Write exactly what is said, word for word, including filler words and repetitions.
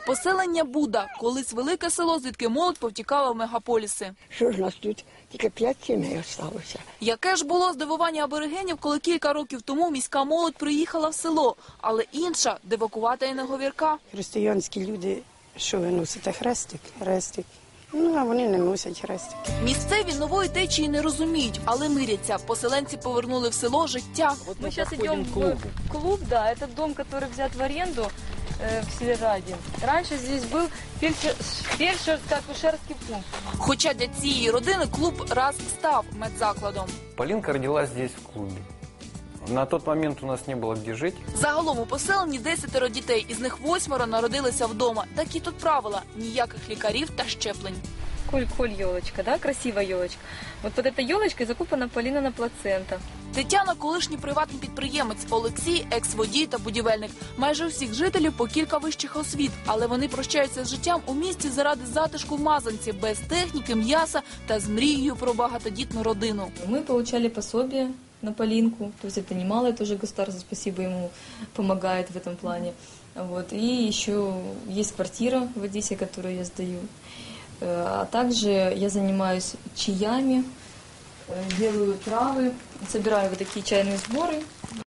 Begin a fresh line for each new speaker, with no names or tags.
Поселення Буда – колись велике село, звідки молодь повтікала в мегаполіси.
Що ж нас тут? Тільки п'ять сімей залишилося.
Яке ж було здивування аборигенів, коли кілька років тому міська молодь приїхала в село, але інша – дивакувата і неговірка.
Християнські люди, що ви носите? Хрестик? Хрестик. Ну, а вони не носять хрестики.
Місцеві нової течії не розуміють, але миряться. Поселенці повернули в село життя.
Мы сейчас идем в клуб, да, это дом, который взят в аренду э, в Севераде. Раньше здесь был фельдшер- фельдшерско-акушерский пункт.
Хоча для цієї родини клуб раз став медзакладом.
Полинка родилась здесь, в клубе. На тот момент у нас не было где жить.
Загалом у поселенні десятеро дітей, із них восьмеро народилися вдома. Такі тут правила – ніяких лікарів та щеплень.
Коль-коль елочка, да, красивая елочка. Вот под этой елочкой закупана Полинина плацента.
Тетяна – колишній приватний підприємець, Олексій – екс-водій та будівельник. Майже у всіх жителів по кілька вищих освіт, але вони прощаються з життям у місті заради затишку в Мазанці, без техніки, м'яса та з мрією про багатодітну родину.
Мы получали пособие на Полинку, то есть это немало, тоже государство, спасибо ему, помогает в этом плане. Вот. И еще есть квартира в Одессе, которую я сдаю. А также я занимаюсь чаями, делаю травы, собираю вот такие чайные сборы